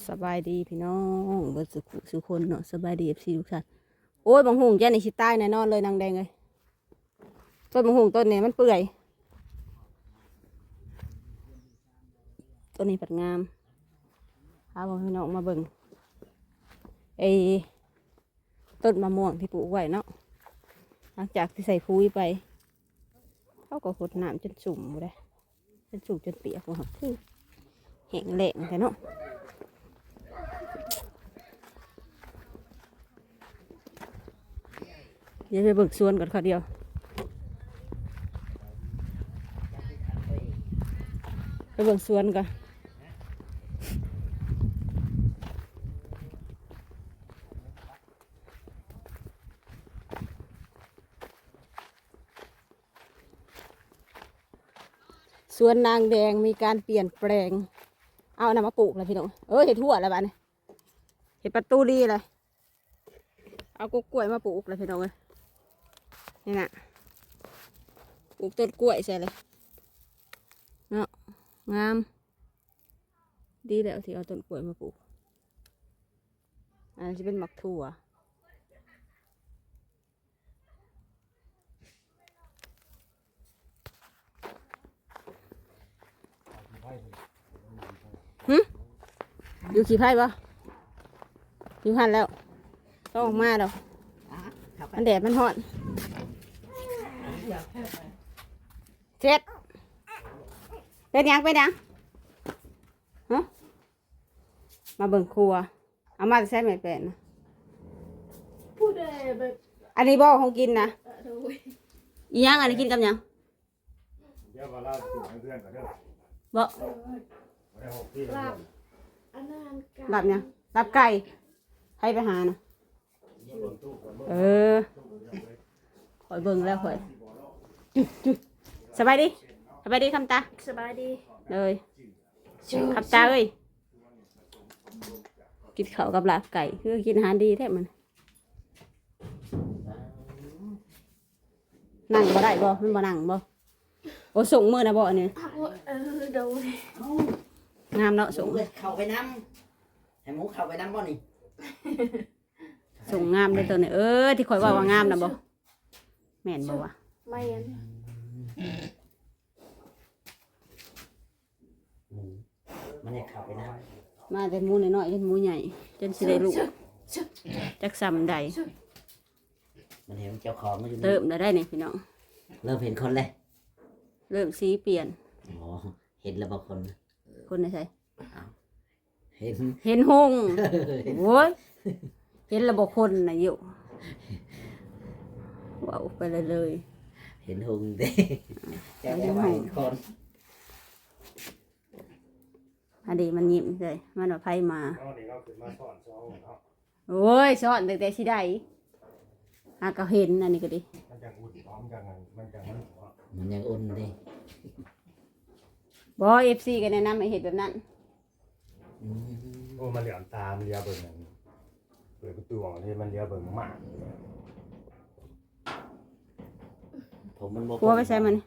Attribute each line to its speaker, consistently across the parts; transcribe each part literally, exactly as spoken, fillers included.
Speaker 1: สบายดีพี่น้องเบิดสุขสุขคนเนาะสบายดีเอฟซีทุกท่านโอ้ยบางหงแจ้ในชิใต้แน่นอนเลยนางแดงเลยต้นบางหงต้นนี้มันเปื่อยต้นนี้ปัดงามเอาพี่น้องมาเบิ่งไอ้ต้นมะม่วงที่ปลูกไว้เนาะหลังจากที่ใส่ปุ๋ยไปเขาก็หดน้ำจนสุ่มเลยจนสุ่มจนเปียกหมดคือแห้งแล้งแต่เนาะเดี๋ยวไปเบิกสวนก่อนค่ะเดียวไปเบิกสวนก่อนสวนนางแดงมีการเปลี่ยนแปลงเอานำมาปลูกเลยพี่น้องเออเห็ดทั่วแล้วบ้านนี้เห็ดประตูดีเลยเอากล้วยมาปลูกเลยพี่น้องเลยนี่นะปลูกต้นกล้วยใส่เลยเนาะงามดีแล้วที่เอาต้นกล้วยมาปลูกอันนี้จะเป็นหมักถั่วหึอยู่ขี่ไพ่ปะอยู่หันแล้วต้องออกมาแล้วมันแดดมันร้อนเสร็จเป็นยังเป็นยังฮะมาเบิ่งครัวเอามาใช้ไม่เป็นนะพูดเลยแบบอันนี้บ่ของกินนะอีหยังอันนี้กินกับหยังเดี๋ยวมาเล่าสู่เพื่อนก่อนเด้อบ่ลาบอันนั้นลาบเนี่ยลาบไก่ให้ไปหานะเออคอยเบิ่งแล้วคอยสบายดีสบายดีคำตา
Speaker 2: สบายดี
Speaker 1: เลยคำตาเอ้ยกินข้าวกับลาบไก่คือกินอาหารดีแท้มันนั่งบ่ได้บ่มันบ่นั่งบ่โอ้ส่งมือนะบ่เนี่ย
Speaker 2: เออเดี๋ยว
Speaker 1: งามเนาะส่ง
Speaker 3: เข้าไปน้ำให้หมูเข้าไปน้ำบ่นี่
Speaker 1: ส่งงามเลยตัวนี้เออที่คอยว่าว่างามนะบ่แม่นบ่วะ
Speaker 2: ไม่ยัน
Speaker 3: หมูมันจะเข้าไปน้
Speaker 1: ำมาแต่หมูน้อยๆจนหมูใหญ่จนสิได้ลูกจักซ้ำใด
Speaker 3: มันเห็นเจ้าของมันอยู่
Speaker 1: เริ่มได้เนี่ยพี่น้อง
Speaker 3: เริ่มเห็นคนเลย
Speaker 1: เริ่มสีเปลี่ยน
Speaker 3: อ๋อเห็นแล้วบางคน
Speaker 1: คนไหนใช่
Speaker 3: เห็น
Speaker 1: เห็นหงโว้ยเห็นระบบคนนะอยู่ว้าวไปเลยเลย
Speaker 3: เห็นหงเด้จะไม่ไหวคน
Speaker 1: อันนี้มันยิ้มเลยมันเอาไพ่มาโอ้ยสอนแต่แต่สิได้หากเห็นอันนี้ก็ดี
Speaker 4: มันยังอุ่นพร้อมกันมันยังมัน
Speaker 3: มันยังอุ่นดิ
Speaker 1: บอเอฟซีกันแนะนำให้เห็นแบบนั้น
Speaker 4: โอ้มันเหลี่ยมตามเลียเบิ่งเปิดประตูออกที่มันเลียเบิ่งมาก
Speaker 3: ผมมัน
Speaker 1: กลัวไปใส่มัน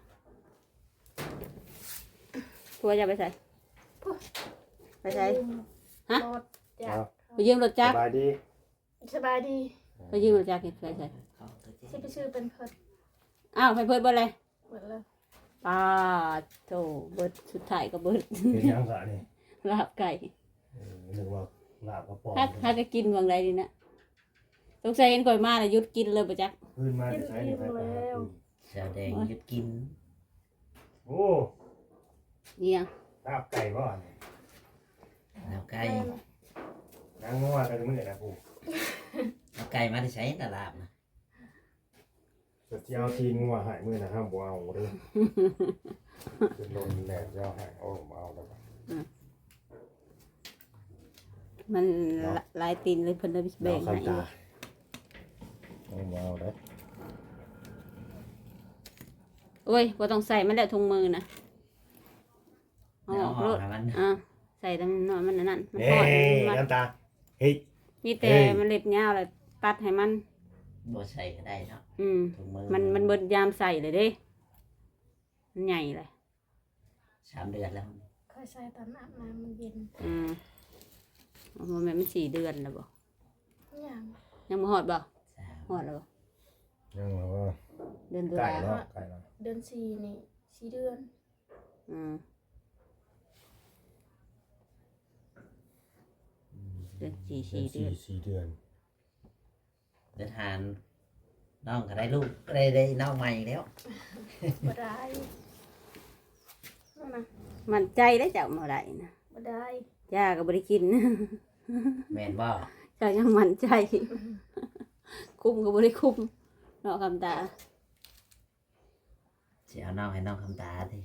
Speaker 1: กลัวจะไปใส่ไปใส่ฮะไปยืมรถจักร
Speaker 4: สบายดี
Speaker 2: สบายดี
Speaker 1: ไปยืมรถจักรใส่ใส่
Speaker 2: ที่ไปซื้อเป็นเพิด
Speaker 1: อ้าวไปเพิดบ่เลย
Speaker 2: หมดแล้ว
Speaker 1: ปลาโถเบิดสุดท้ายก็เบิด
Speaker 4: เป็นยังไงนี่
Speaker 1: ลาบไก่
Speaker 4: นึกว่าลาบกระป๋อง
Speaker 1: ถ้าถ้าจะกินบางไรดีนะต้องใส่เห็นก่อยมาเลยยุดกินเลยปะจ๊ะ
Speaker 4: พื้นมาใช้ในไฟฟ้า
Speaker 3: แสดงยุดกิน
Speaker 4: โอ้
Speaker 1: เนี่ย
Speaker 4: ลาบไก่บ่เนี่ย
Speaker 3: ลาบไก่
Speaker 4: นางงัวกันมื้อนะปู่
Speaker 3: ลาบไก่มาที่ใช้ตลาดนะ
Speaker 4: จะเที่ยวทีงัวหายมื้อนะห้ามบ่เอาเด้อจะโดนแดดแล้วหายเอาบ่เอาแล้ว
Speaker 1: มันลายตีนเลยเพิ่นเลยแบ่งให้
Speaker 4: เอาบ่เอาได้
Speaker 1: โอ้ยบ่ต้องใส่มันแล้วถุงมือนะอ๋อรถอ่ะใส่ตั้งน้อยมันนั่น
Speaker 4: มันทอดน้ำตาเฮ้ย
Speaker 1: มีแต่มันเล็บยาวแล้วตัดให้มัน
Speaker 3: บ่ใส่ก็ได้เนาะ
Speaker 1: อืมมันมันเบิดยามใส่เลยเด้มันใหญ่เลย
Speaker 3: สามเดือนแล้ว
Speaker 2: ค่อยใส่ตอนอาบน้ำมันเย็น
Speaker 1: อืมมันสี่เดือนแล้วบ่
Speaker 2: อย่าง
Speaker 1: ยังบ่ฮอดบ่
Speaker 3: สาม
Speaker 1: ฮอดแล้วบ่
Speaker 4: ยังแบบว่า
Speaker 1: เดือนตุ
Speaker 4: ไก่
Speaker 1: ลา
Speaker 4: เนาะไก่เนาะ
Speaker 2: เดือนสี่นี่สี่เดือน
Speaker 1: อืมเดือนสี่
Speaker 4: เดื
Speaker 1: สี่
Speaker 4: อน
Speaker 1: เดื
Speaker 4: สี่
Speaker 1: อน
Speaker 4: สี่เดือน
Speaker 3: เดินทานน้องก็ได้ลูกก็ได้ได้น้องใหม่แล้ว
Speaker 2: บ่ได้นั่นนะ
Speaker 1: มันใจได้เจ้าเมื่อไหร่นะ
Speaker 2: บ่ได้
Speaker 1: ย่าก็บ่ได้กิน
Speaker 3: แม่นบ่
Speaker 1: เจ้ายังมั่นใจ คุ้มก็บ่ได้คุ้มเนาะคำตา
Speaker 3: สิเอาน้องให้น้องคำตาดิ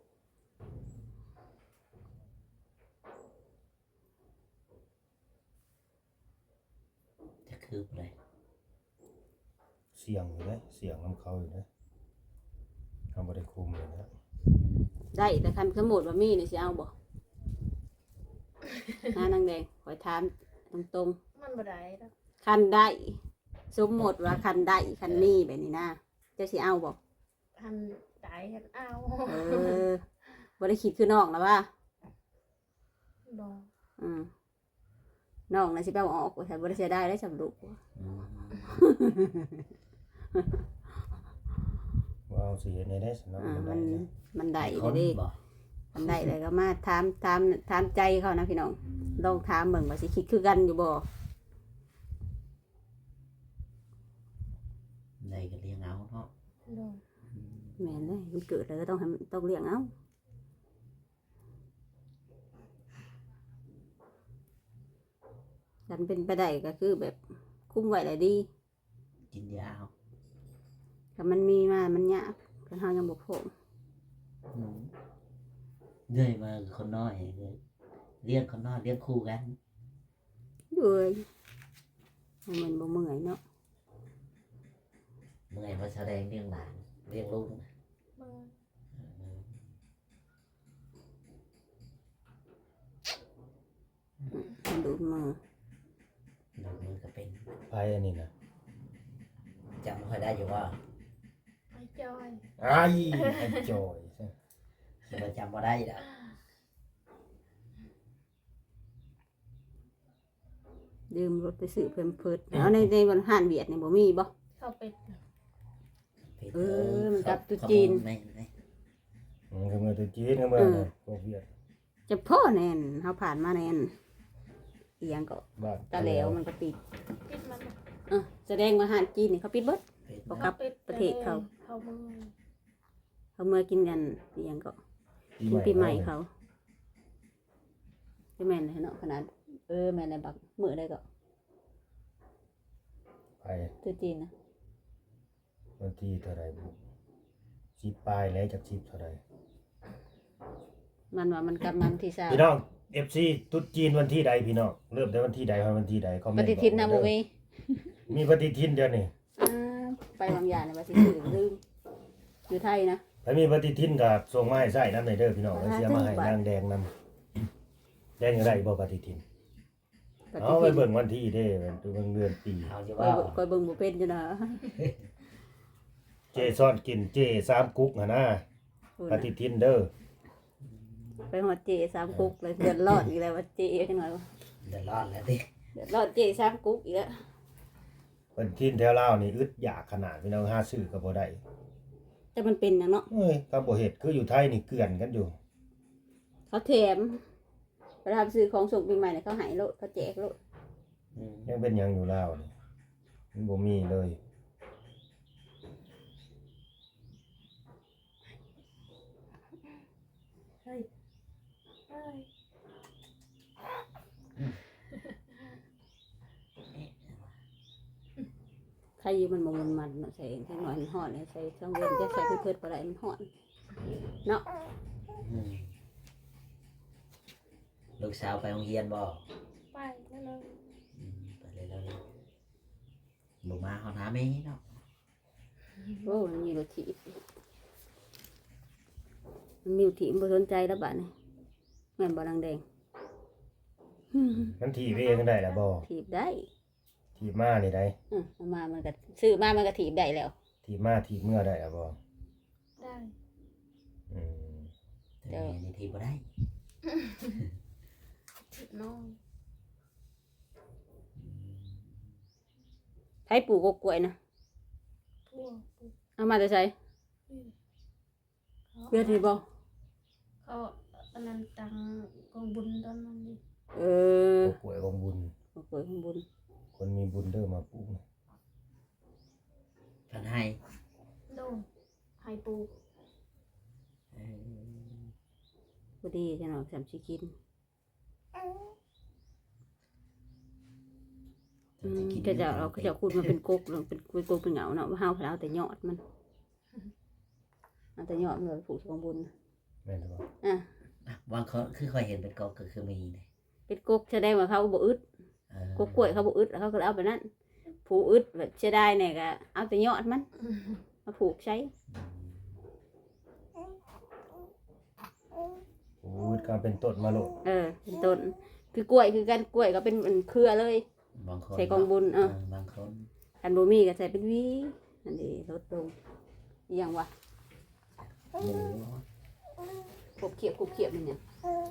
Speaker 3: จะคืบเลย
Speaker 4: เสียงอยู่เลยเสียงน้ำเขาอยู่เลยทำบริคุมเลยนะ
Speaker 1: ได้แต่คันสมมุติว่ามีนี่สิเอาบ่ หานางแดงขอยถามตรง
Speaker 2: มันบ่ได้ดอก
Speaker 1: ๆคันได้สมมุติว่าคันได้คันมีแบบนี้นะเจะสิเอาบ่
Speaker 2: ทันได้ทันเอา
Speaker 1: เออบ่ได้คิดคือน้องแล้วว่า
Speaker 2: บ่
Speaker 1: อืมน้องน่ะสิไปเอาออกว่าฉันบ่ได้เสียดายได้สำลูก
Speaker 3: อืม
Speaker 4: ว่าเอาสีในได้สนอง
Speaker 1: อ่า
Speaker 4: มัน
Speaker 1: มัน
Speaker 4: ได้นะ
Speaker 1: มันได้
Speaker 3: ค
Speaker 1: เด้
Speaker 3: น
Speaker 1: เด้
Speaker 3: บ่
Speaker 1: มันได้เลยก็มาถามถามถามใจเขานะพี่น้องลองถามเบิ่งว่าสิคิดคือกันอยู่บ่
Speaker 3: ได้ก็เลี้ยงเอาเนาะ
Speaker 2: โดน
Speaker 1: แม่นเลยมันเกิดแล้วก็ต้องให้มันต้องเลี้ยงเอาฉันเป็นไปได้ก็คือแบบคุ้มไว้ได้ดี
Speaker 3: กินยาเอา
Speaker 1: ถ้ามันมีมามันยากก็เฮายังบ่พร้อม
Speaker 3: อืมเรื่อยมาคนน้อยเลยเลี้ยงคนน้อยเลี้ยงคู่กัน
Speaker 1: เอ้ยให้มันบ่เมื่อยเนาะ
Speaker 3: เมื่อยมาแสดงเลี้ยงหลานเลี้ยงลูกนะ
Speaker 2: บ่
Speaker 3: อืม
Speaker 1: มันดูดมือ
Speaker 3: ลูกมือก็เป็น
Speaker 4: ไพ่อันนี้นะ
Speaker 3: จำไม่ค่อยได้อยู่ว่า
Speaker 2: ไอ้จอย
Speaker 4: ไอ้ไอ้จอย
Speaker 3: คิดว่าจำไม่ได้ดอก
Speaker 1: ดื่มรถไปซื้อเพิ่มเพิดเอาในในวันห้านเวียดนี่บ่มีบ่
Speaker 2: เข้าเป็ด
Speaker 1: เออมันกลับตุ๊จีน
Speaker 3: ขโมยไม่ไม่
Speaker 4: อืมคือมือตัวจีนคือมือ
Speaker 1: เออ
Speaker 4: เนี่ยพวกเวียด
Speaker 1: จะพ่อแน่นเฮาผ่านมาแน่นอีหยังก็
Speaker 4: บ้าน
Speaker 1: ตาแล้วมันก็ปิด
Speaker 2: ปิดมันน่ะ
Speaker 1: เออแสดงว่าอาหารจีนนี่เขาปิดเบิด
Speaker 3: เป็น
Speaker 1: บ่ครับ
Speaker 2: ปิด
Speaker 1: ประเทศเขา
Speaker 2: เขาเมือง
Speaker 1: เขาเมื่อกินกันอีหยังก็
Speaker 4: ปี
Speaker 1: กินปีใหม่
Speaker 4: เนาะ
Speaker 1: เขาใช่แม่นเลยเนาะขนาดเออแม่นเลยบักมื้อได้ก็
Speaker 4: ไป
Speaker 1: ตัวจีนนะ
Speaker 4: วันที่เท่าไรบุสิบปลายแล้วจากสิบเท่าไร
Speaker 1: มันว่ามันกำมันที่ซา
Speaker 4: พี่น้องเอฟซีตุ๊ดจีนวันที่ใดพี่น้องเริ่มได้วันที่ใดวันที่ใดคอมเม
Speaker 1: ป
Speaker 4: นต์
Speaker 1: ฏิทินนะ
Speaker 4: บ
Speaker 1: บ่
Speaker 4: อก
Speaker 1: มี
Speaker 4: มีปฏิทินเดียวนี่
Speaker 1: อ่าไปบางอย่างน่ะว่าสิซื้อลืมอยู่ไทยนะ
Speaker 4: ถ้ามีปฏิทินกับส่งมาให้ใส่น้ำในเด้อพี่น้องแล้วเสียมาให้นางแดงนำแดงยังไงบ่ปฏิทิน
Speaker 1: ปฏิ
Speaker 4: เอาไป
Speaker 1: ทิน
Speaker 4: เบิ่งวันที่เด้เป็นตัวเบิ่งเดือนปี
Speaker 3: เอาอยู่
Speaker 1: คอ
Speaker 3: ว่าย
Speaker 1: เบิ่งคอยเบิ่งบ่เป็นจ้ะนะ
Speaker 4: เจซ่อนกินเจสามกุ๊กหนนะ
Speaker 1: พูด
Speaker 4: ป
Speaker 1: นะ
Speaker 4: ฏิทินเด้อ
Speaker 1: ไปหอดเจสามกุ๊กเลยเดือดร้อนอีกแล้วว่าเจจังหน่อยวะ
Speaker 3: เดือดร้อนแล้วดิ
Speaker 1: เดือดร้อนเจสามกุ๊กอีกแล้ว
Speaker 4: ปฏิทินแถวลาวนี่อึดอยากขนาดพี่น้องหาซื้อก็บ่ได้
Speaker 1: แต่มันเป็นหยังเนาะ
Speaker 4: เอ้ยถ้าบ่เฮ็ดคืออยู่ไทยนี่เกลื่อนกันอยู่
Speaker 1: เขาแถมไปทำซื้อของส่งปีใหม่เนี่ยเขาใหายโลดเขาแจกโลด
Speaker 3: อืม
Speaker 4: ยังเป็นหยังอยู่ลาวนี่มันบ่มีเลย
Speaker 2: เฮ้ยเฮ้ย
Speaker 1: ใครอยู่มันบ่มันมันเนาะใส่ใส่หน่อยมันห่อนเลยใส่เครื่องเวนจะใส่เพิ่นๆบ่ได้มันห่อนเนาะ
Speaker 3: อืมลูกสาวไปโรงเรียนบ่
Speaker 2: ไปนั่นเลย
Speaker 3: อืมไปเลยแล้วเลยบ่มาเขาถามเองเนาะ
Speaker 1: โอ้มันมีรถถีบมันมีรถถีบบ่สนใจแล้วบัดนี้แม่นบ่ดังแดง
Speaker 4: มันถีบเองได้ล่ะบ่
Speaker 1: ถีบได้
Speaker 4: ถีบมานี่ได้
Speaker 1: อือเอามามันก็ซื้อมามันก็ถีบได้แล้ว
Speaker 4: ถีบมาถีบเมื่อได้ล่ะบ่
Speaker 2: ได้
Speaker 4: อืม
Speaker 3: แต่แม่นี่ทีบ่ได้
Speaker 2: ถิดน้อย
Speaker 1: รปลูกกกล้วยนะ
Speaker 2: พวกพวก
Speaker 1: เอามาแต่ใช้
Speaker 2: อืม
Speaker 1: เลือดที่บ่
Speaker 2: เขาอันนั้นตังกองบุญตอนนั้นดิ
Speaker 1: เออ
Speaker 4: ป่วยของบุญ
Speaker 1: กกล้วยข้างบน
Speaker 4: คนมีบุญเด้อมาปลูกนะ
Speaker 3: เพิ่นให้
Speaker 2: โดนให้ปลูก
Speaker 3: เออ
Speaker 1: พอดีจะหน่อยสามสิกินอืมก็จะเราก็จะคูดมันเป็นกกเป็นเป็นกกเป็นเหงาเนาะว่าเฮาพลเอาแต่ยอดมันเอาแต่ยอดมันเลยผูกข้างบน
Speaker 4: แม่นบ่
Speaker 1: อ่ะ
Speaker 3: อ่ะบางคนคือคอยเห็นเป็นกอกก็คือมีเลย
Speaker 1: เป็นกกแสดงว่าเขาบ่อึด
Speaker 3: เออก
Speaker 1: กกล้วยเขาบ่อึดเขาก็เลยเอาไปนั่นผูกอึดแบบเสียดายเนี่ยก็เอาแต่ยอดมันมาผูกใช้
Speaker 4: โอ้ยก็เป็นต้นมาโลด
Speaker 1: เออเป็นต้นคือกล้วยคือกันกล้วยก็เป็นเป็นเครือเลย
Speaker 3: บางคน
Speaker 1: ใส่กองบุญเออ
Speaker 3: เออบางคน
Speaker 1: อันบ่มีก็ใส่เป็นหวีนั่นเองลดลงอหย่างวะ
Speaker 3: หมู
Speaker 1: ขบเขียบขบเขียบมันเนี่ย
Speaker 2: เฮ้ย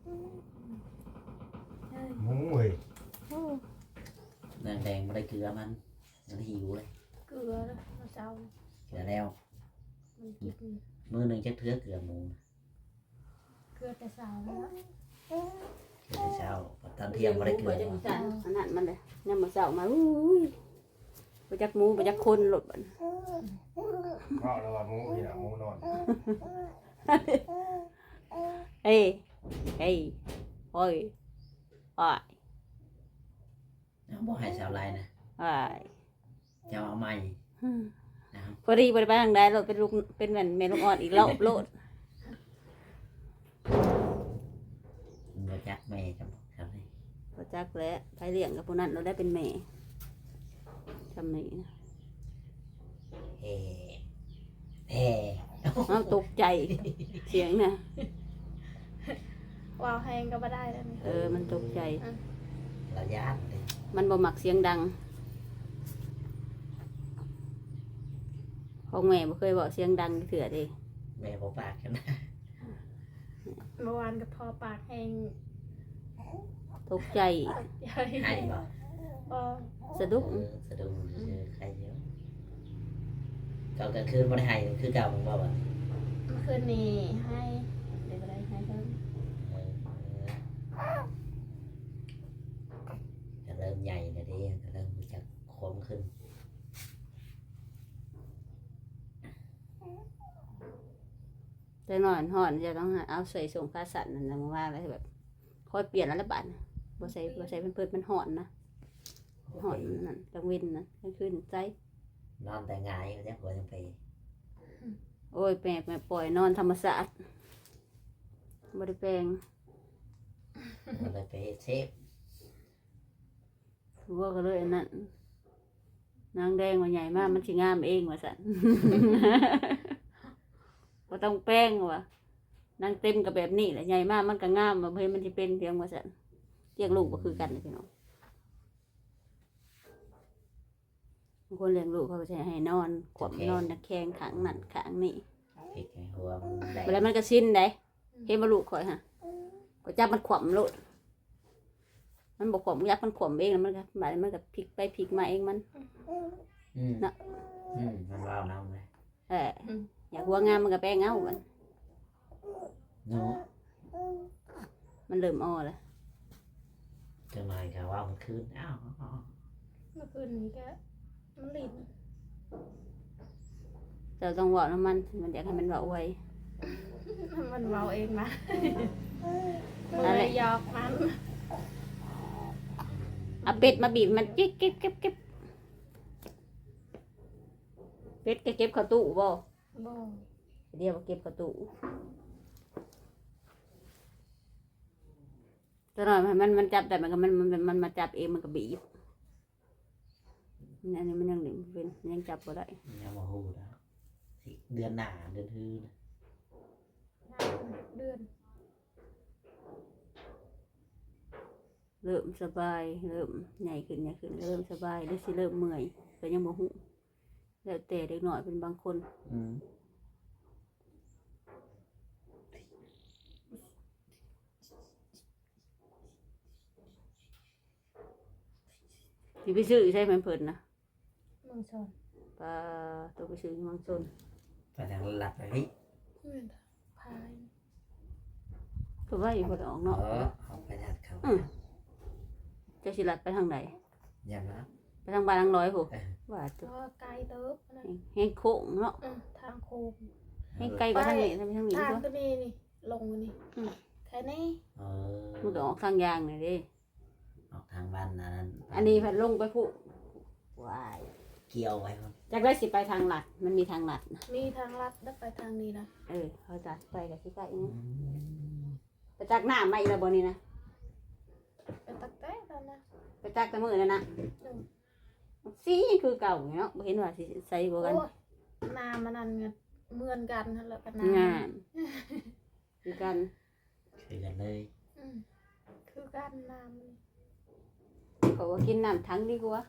Speaker 4: หมูเว้ย
Speaker 3: แดงแดงไม่ได้เกลือมันมันหิวเลย
Speaker 2: เกลือแล้วมาเศร้า
Speaker 3: เกลือแล้ว
Speaker 2: มันกิน
Speaker 3: มือหนึ่งจะเทือเกลือหมู
Speaker 2: เกลือแต่เศร้าแล้ว
Speaker 3: เกลือแต่เช้าตอนเที่ยงไม่ได้เกลือ
Speaker 1: จังซั่นอันนั้นมันเลยยามมื้อเช้ามาอุ้ยบ่จักหมูบ่จักคนโลดบัด
Speaker 4: เพราะแล้วว่าหมูนี่น่ะหมูนอน
Speaker 1: เอ้ยเอ้ยโอ้ยอ้าย
Speaker 3: เอาบ่ให้ชาวไรนะ
Speaker 1: อ้าย
Speaker 3: จะเอาใหม่นะครับ
Speaker 1: พอดีบ่ได้ไปทางใดโลดเป็นลูกเป็นแม่นแม่ลูกอ่อนอีกรอบโลด
Speaker 3: มันบ่จักแม่จำครับนี่
Speaker 1: บ่จักแล้วไปเลี้ยงกับผู้นั้นเราได้เป็นแม่ทำนี่นะ
Speaker 3: เฮ่เฮ่
Speaker 1: เอาตกใจเสียงน่ะ
Speaker 2: วาวแห้งก็ไม่ได้แล้วนี่
Speaker 1: เออมันตกใจ
Speaker 3: ระยะเลย
Speaker 1: มันบ่มักเสียงดังของแม่บ่เคยบอกเสียงดังเถื่อเด้
Speaker 3: แม่บ่ปากกันนะ
Speaker 2: เมื่อวานกับพอปากแห้ง
Speaker 1: ตกใจ
Speaker 2: ใหญ่
Speaker 3: ให้บ่
Speaker 2: พอ
Speaker 1: สะดุ้ง
Speaker 3: เออสะดุ้งเจอใครเยอะเก่ากลางคืนบ่ได้ให้คือเก่ามึงบ่บ่
Speaker 2: เมื่อคืนนี้ให้เดี๋ยวอะไรให้เพิ่ม
Speaker 3: เออจะเริ่มใหญ่แล้วดิจะเริ่มรู้จักคมขึ้น
Speaker 1: แต่นอนห่อนจะต้องเอาใส่ส่งคาสันนั่นนะมาว่าไว้แบบคอยเปลี่ยนแล้วละบาดน่ะบ่ใส่บ่ใส่เป็นเพิ่นมันห่อนนะห่อนนั่นกลางเว้นนะกลางคืนใจ
Speaker 3: นอนแต่หงายก็จะหัวจังไป
Speaker 1: โอ้ยแปลกแม่ปล่อยนอนธรรมศาสตร์บ่ได้แปลง
Speaker 3: มันเลยไปเซฟ
Speaker 1: ว่าก็เลยอันนั้นนางแดงว่าใหญ่มากมันสิงามเองว่าซั่น บ่ต้องแป้งว่ะนางเต็มกับแบบนี้แหละใหญ่มากมันก็งามว่าเพิ่นมันสิเป็นเพียงว่าซั่นเลี้ยงลูกบ่คือกันเลยพี่น้องบางคนเลี้ยงลูกเขาก็จะให้นอนขวบนอนตะแคงข้างนั่นข้างนี่
Speaker 3: พริกให้หัวมันแดง
Speaker 1: เวลามันก็สิ้นได้เห็นบ่ลูกข่อยฮะก็จับมันขวบโลดมันบ่ขวบยักมันขวบเองแล้วมันก็บาดนี้มันก็พลิกไปพลิกมาเองมัน
Speaker 3: อืม
Speaker 1: น่ะ
Speaker 3: อืมมันว้าวน้ำเลย
Speaker 1: เอออยากหัวงามมันก็แป้งเอามัน
Speaker 3: เนาะ
Speaker 1: มันเริ่มอ้อแล้ว
Speaker 3: จะมาค่ะว่ามันคืนอ้าวอ้าว
Speaker 2: เมื่อคืนนี้ก็มันลิ้น
Speaker 1: เราต้องบอกน้ำมันมันอยากให้มันเบาไว้
Speaker 2: มันเมาเองมา
Speaker 1: นั่นแห
Speaker 2: เล
Speaker 1: ละ
Speaker 2: ยยอกมัน
Speaker 1: เอาเป็ดมาบีบมันจิ๊กเก็บเก็บเก็บเป็ดก็เก็บเข้าตู้บ่
Speaker 2: บ่
Speaker 1: เดี๋ยวเก็บเข้าตู้ตัวหน่อยมันมันจับแต่มันก็มันมันมันมาจับเองมันก็บีบอันนี้มันยังหนึ่งเป็นยังจับบ่ได้
Speaker 3: ยังมาหูแล้วสิเดือนหนาเดือนฮือนะ
Speaker 2: เดือน
Speaker 1: เริ่มสบายเริ่มใหญ่ขึ้นใหญ่ขึ้นเริ่มสบายได้สิเริ่มเมื่อยก็ยังบ่ฮู้แล้วแต่เด็กหน่อยเป็นบางคน
Speaker 3: อืม
Speaker 1: สิไปซื้อใช่ไหมเพิ่นนะ
Speaker 2: เมืองชน
Speaker 1: ปลาตัวไปซื้อเมืองชน
Speaker 3: ไปทางหลัดไปพี่
Speaker 2: เมืองพาย
Speaker 1: คือว่าอยู่บ่ได้ออก
Speaker 3: เอ
Speaker 1: เนาะ
Speaker 3: อเอาไปหลัดเขา
Speaker 1: จะสิลัดไปทางไหน
Speaker 3: ยันนะ
Speaker 1: ไปทางบ้านทางน้อยพุ
Speaker 3: เออ
Speaker 1: ว่าตัว
Speaker 2: ก็ไกลเติบนะ
Speaker 1: แห้งโค้งเนาะ
Speaker 2: อืมทางโค้ง
Speaker 1: แห้งไกลกว่าทางนี้ทางนี้ทางนี้
Speaker 2: ทาง
Speaker 1: ตัว
Speaker 2: ก็นี่นี่ลงมานี่
Speaker 1: อืม
Speaker 2: แค่นี้
Speaker 3: เออ
Speaker 1: มันก็ออกทางยางนี่เด้
Speaker 3: ออกทางบ้านอันนั้น
Speaker 1: อันนี้พัดลงไปพุว้าย
Speaker 3: เกี่ยวไว้ครับ
Speaker 1: จากได้สิไปทางลัดมันมีทางลัดนะ
Speaker 2: มีทางลัดแล้วไปทางนี้นะ
Speaker 1: เออเขาจะไปกับสิไปนี่ไปจักหน้ามาอีกแล้วบ่นี่นะ
Speaker 2: ไปตักแต่ตอนนะ
Speaker 1: ไปจักแต่มื้อนั่นน่ะ
Speaker 2: อืม
Speaker 1: สีคือเก่าอยู่เนาะบ่เห็นว่าสิใส่บ่กัน
Speaker 2: โอ้ยนามันนั่นเงินเหมือนกันนั่นแหละกันนาง
Speaker 1: านคือกัน
Speaker 3: คือกันเลย
Speaker 2: อืมคือกันน้ำนี่
Speaker 1: เขาว่ากินน้ำทั้งดีกว่า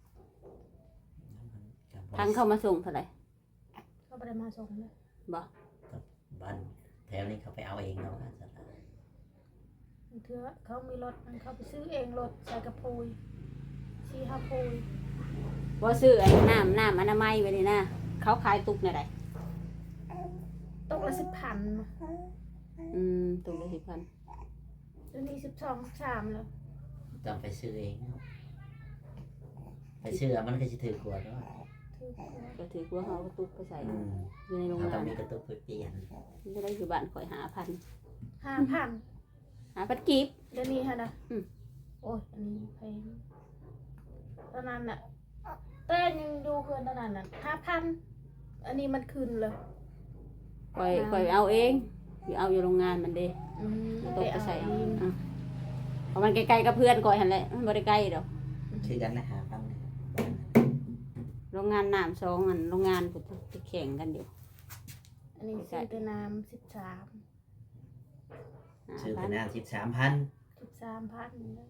Speaker 3: กับ
Speaker 1: ทั้งเข้ามาส่งเท่าไหร่
Speaker 2: เขาไปได้มาส่งเลย
Speaker 1: บ่
Speaker 3: บ้านแถวนี้เขาไปเอาเองเนาะสัตว์
Speaker 2: เถื่อเขามีรถมันเขาไปซื้อเองรถใส่กระพุยชีฮาพุย
Speaker 1: บ่ซื้อไอ้น้ำน้ำอนามัยไว้นี่นะเขาขายตุกในใด
Speaker 2: ตกละสิบพัน
Speaker 1: อืมตุกละสิบพัน
Speaker 2: เดี๋ยวนี้สิบสองสิบสามแล้ว
Speaker 3: ต้องไปซื้อเองเนาะไปซื้อมันก็จะถือกว่าเนาะ
Speaker 2: ถือหัว
Speaker 1: ก็ถือว่าเขาเอาตุกไปใส่
Speaker 3: อืม
Speaker 1: อยู่ในโรง
Speaker 3: เขา
Speaker 1: งา
Speaker 3: ต้อน งมีกระตุกไปเปลี่ยน
Speaker 1: จะได้อยู่บ้านข่อยหาพัน
Speaker 2: ห้าพัน
Speaker 1: หาพันกีบ
Speaker 2: เดี๋ยวนี้ฮะนะ
Speaker 1: อืม
Speaker 2: โอ้ยอันนี้แพงตอนนั้นน่ะแต่ยังดูเพื่อนตอนนั้นน่ะห้าพันอันนี้มันคืนเลย
Speaker 1: ข่อยข่อยเอาเองอยู่เอาอยู่โรงงานมันเด้
Speaker 2: อืม
Speaker 1: ตุก
Speaker 2: ไป
Speaker 1: ไป
Speaker 2: เอา
Speaker 1: ใส่
Speaker 2: เอ
Speaker 1: เอา
Speaker 2: ง
Speaker 1: อ่ะเพราะมันใกล้ๆกับเพื่อนก่อยหันแหละมันบ่ได้ใกล้ดอก
Speaker 3: คือกันนะหาฟังนะ
Speaker 1: โรงงานน้ำสองอันโรงงานพุ่นที่แข่งกันอยู่
Speaker 2: อันนี้ซื้อแต่น้ำสิบสาม
Speaker 1: หา
Speaker 3: ซื้อ
Speaker 1: พั
Speaker 3: แต่
Speaker 1: น
Speaker 3: น้ำสิบสามพัน
Speaker 2: สิบสามพัน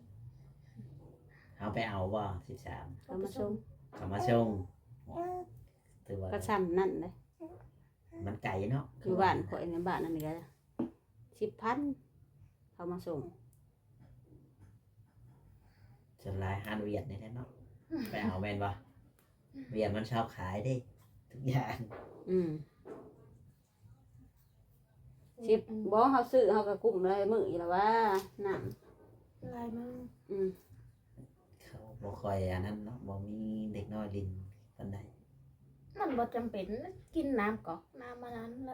Speaker 3: เอาไปเอาว่าสิบสาม
Speaker 1: เขามาส่ง
Speaker 3: เขามาส่งถือว่า
Speaker 1: ก็ซ้ำนั่นเลย
Speaker 3: มันไก่เนาะ
Speaker 1: อยู่บ้านข่อยในบ้านนั่นนี่ก็สิบพันเขามาส่ง
Speaker 3: ส่วนลายฮานเวียดนี่แหละเนาะไปเอาแมนบ่เวียดมันชอบขายเด้ทุกอย่าง
Speaker 1: อืมสิบบ่เขาซื้อเขาก็กลุ่มเลยมืออยู่แล้วว่าน้ำ
Speaker 2: อะไรมั่ง
Speaker 1: อืม
Speaker 3: เขาบ่คอยอันนั้นเนาะบ่มีเด็กน้อยลินปานใด
Speaker 2: มันบ่จำเป็นกินน้ำก๊อกน้ำมานั้นแล้ว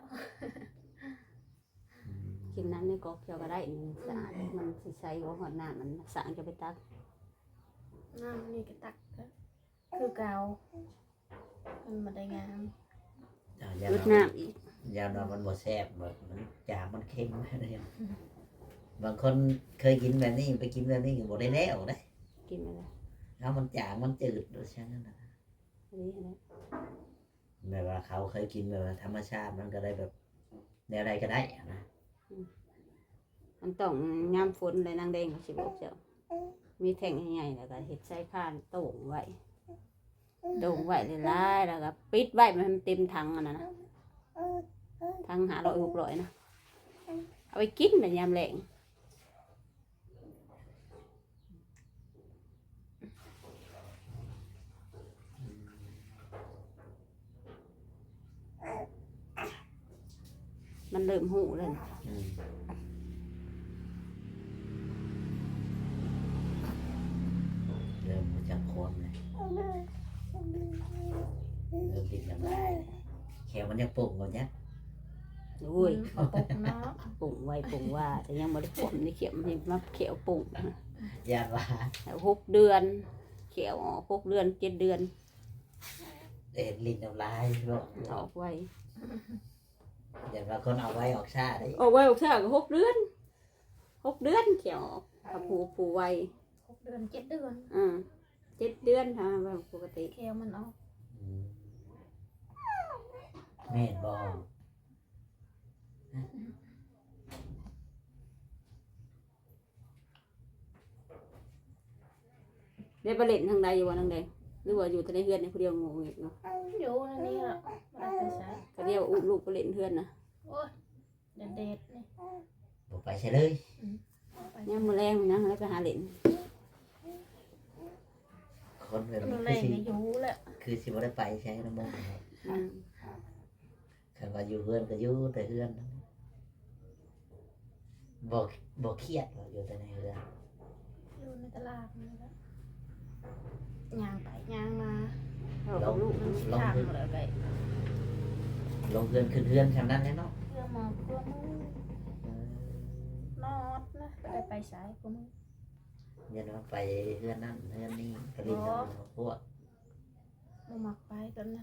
Speaker 3: อืม
Speaker 1: กินน้ำในกอกเขียวก็ได้นี่สะอาดมันสิใส่หัวหอดน้ำมันสางจะไปตัก
Speaker 2: น้ำนี่ก็ตักก็คือเกามันมาได้งาม
Speaker 3: เอายา
Speaker 1: ลด
Speaker 3: ดอง
Speaker 1: น้ำอีก
Speaker 3: ยาดองมันบ่แซ่บแบบมันจางมันเค็มอะไรอย่างบางคนเคยกินแบบนี้ไปกินแบบนี้ก็บ่ได้แล้วเด้
Speaker 1: กินไปเลย
Speaker 3: แล้วมันจางมันจืดโดยเช่นนั้นนะ
Speaker 1: อันนี้อันนี้
Speaker 3: แบบว่าเขาเคยกินแบบว่าธรรมชาติมันก็ได้แบบแนวใดก็ได้อะนะ
Speaker 1: มันต้องงามฝนเลยนางแดงเขาสิบอกเจ้ามีแท่งใหญ่ๆแล้วก็เห็ดใส่ข้านโต่งไว้โต่งไว้เลยล่ายแล้วก็ปิดไว้ไม่ให้มันเต็มถังอันนั้นนะถังหาร้อยหกร้อยนะเอาไปกินแบบยามแรงมันเริ่มหูเลยนะ
Speaker 3: อืมเริ่มรู้จักความเลยเริ่มติดอย่างไรแขวมันยังปุ่งกว่านี้
Speaker 1: โอ้ย
Speaker 2: มาปกเนาะ
Speaker 1: ปุ่งไว้ปุ่งว่าแต่ยังไม่ได้ผมนี่เขียวนี่มาเขียวปุ่ง
Speaker 3: ญาติว่า
Speaker 1: แล้วหกเดือนเขียวออกหกเดือนเจ็ดเดือน
Speaker 3: เอ็นลิ้นน้ำลายโรค
Speaker 1: ออกไว้
Speaker 3: ญาติว่าคนเอาไว้ออกชาได้
Speaker 1: ออกไว้ออกเท่าก็หกเดือนหกเดือนเขียวออกกับผูผูไว้
Speaker 2: หกเดือนเจ็ดเดือน
Speaker 1: อ่าเจ็ดเดือนทำแบบปกติ
Speaker 2: แควมันออก
Speaker 3: อืมแม่นบอ
Speaker 1: ได้ประเด็นทางใดอยู่วันทางใดหรือว่าอยู่ทะเลเฮือนในผู้เดียวงงอีกเนาะ
Speaker 2: อยู่ในนี้ละไม่ได้ไปใช้
Speaker 1: ก็เรียกว่าอุ้มลูกไปเล่นเฮือนนะ
Speaker 2: โอ้ยเด็ดเด็ดๆนี่
Speaker 3: บอกไปใช่เลย
Speaker 2: ไป
Speaker 1: เนี่ยมือแรงมันนะแล้วไปหาเล่น
Speaker 3: คนแบบ
Speaker 2: มั
Speaker 3: นี้
Speaker 2: น
Speaker 3: คื
Speaker 2: แร
Speaker 3: อง สิ
Speaker 2: อายุแหละ
Speaker 3: คืคือสิบ่ได้ไปใช้น้ำมันครับ
Speaker 1: อืม
Speaker 3: คันว่าอยู่เฮือนก็อยู่แต่เฮือนบ่บ่เครียดว่าอยู่แต่ในเฮือน
Speaker 2: อยู่ในตลาดนี่แหละย่างไปย่างมา
Speaker 1: เอากับลูก
Speaker 2: มันสิทางเลยไป
Speaker 3: ลงเฮือนขึ้นเฮือนคำนั้นแหละเนาะ
Speaker 2: เพื่อหมอบเพื่อมือนอดนะไปได้ไปสายกูมือ
Speaker 3: ยันว่าไปเฮือนนั่นเฮือนนี่กระลินพวก
Speaker 2: บ่มักไปตอนนั้น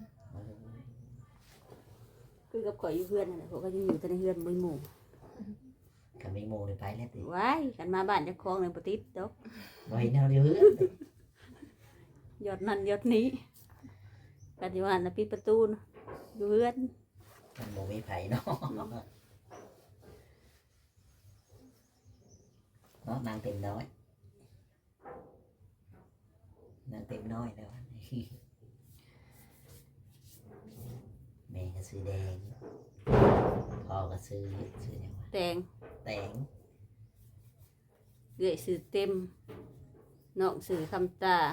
Speaker 1: คือกับข่อยอยู่เพื่อนนั่นแหละเขาก็ยังอยู่แต่ในเพื่อนบ่มีหมู่
Speaker 3: กับมีโมได้ไปแล้วติ
Speaker 1: ว้ายกันมาบ้านเจ้าของเลยบ่ติดดอก
Speaker 3: บ่เห็นแนวเดียวเฮือน
Speaker 1: ยอดนั่นยอดนี้กันอยู่หันน่ะปิดประตูน่ะอยู่เพื่อน
Speaker 3: มันบ่มีไผเนาะเนาะนางเต็มน้อยนางเต็มน้อยแล้วแม่ก็ซื้อแดงพ่อก็ซื้อซื้อหยังวะ
Speaker 1: แตง
Speaker 3: แตง
Speaker 1: เอื้อยสื่อเต็มน้องสื่อคำตา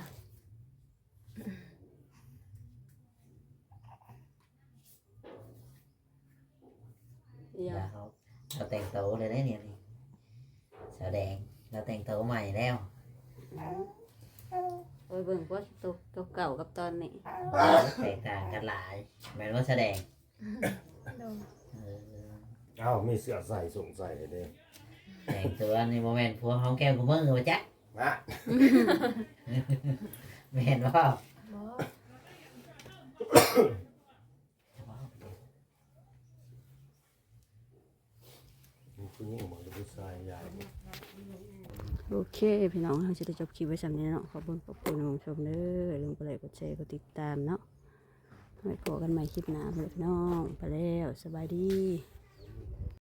Speaker 1: เดี๋ยว
Speaker 3: แล้วเขาเราแต่งโตวเลยได้เนี่ยนี่สาวแดงเราแต่งโตวใหม่แล้ว
Speaker 1: โอ้ยเบิ่งว่าตัวเก่าๆกับตอนนี้
Speaker 3: แตกต่างกันหลายแม่นว่าแสดง
Speaker 2: โดน
Speaker 3: เออ
Speaker 4: เอ้ามีเสื้อใส่ส่งใส่เด้
Speaker 3: แต่งตัวในโมเมนต์พวกห้องแก้วกูมือมาจ๊ะ
Speaker 4: มา
Speaker 3: ไม่เห็นว่า
Speaker 2: บ่
Speaker 4: ผู้หญิงบ่ผู้ชายใหญ่
Speaker 1: โอเค พี่น้องเราจะได้จบคลิปไว้สำนี้เนาะขอบคุณขอบคุณผู้ชมเด้อลืมกดไลค์กดแชร์กดติดตามเนาะไว้พบกันใหม่คลิปหน้าเพื่อนพี่น้องไปแล้วสบายดี